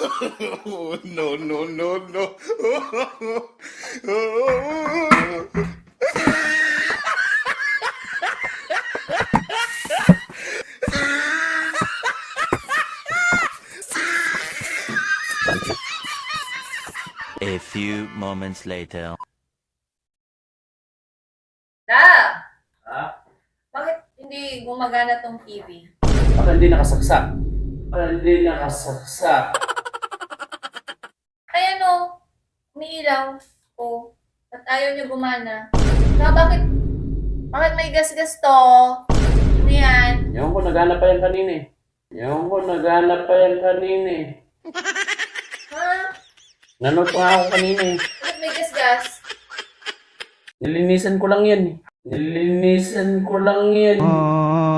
No, no, no, no. A few moments later. Na! Ha? Bakit hindi gumagana tong TV? Baka hindi nakasaksak. Baka hindi nakasaksak. Ay ano, umiilaw. O, ba't ayaw niya gumana? Bakit may gas-gas to? Ano yan? Yung ko naghanap pa yan kanina eh. Yung ko naghanap pa yan kanina eh. Ha? Nanood pa nga ako kanina eh. Bakit may gas-gas? Nilinisan ko lang yan eh. Nilinisan ko lang yan.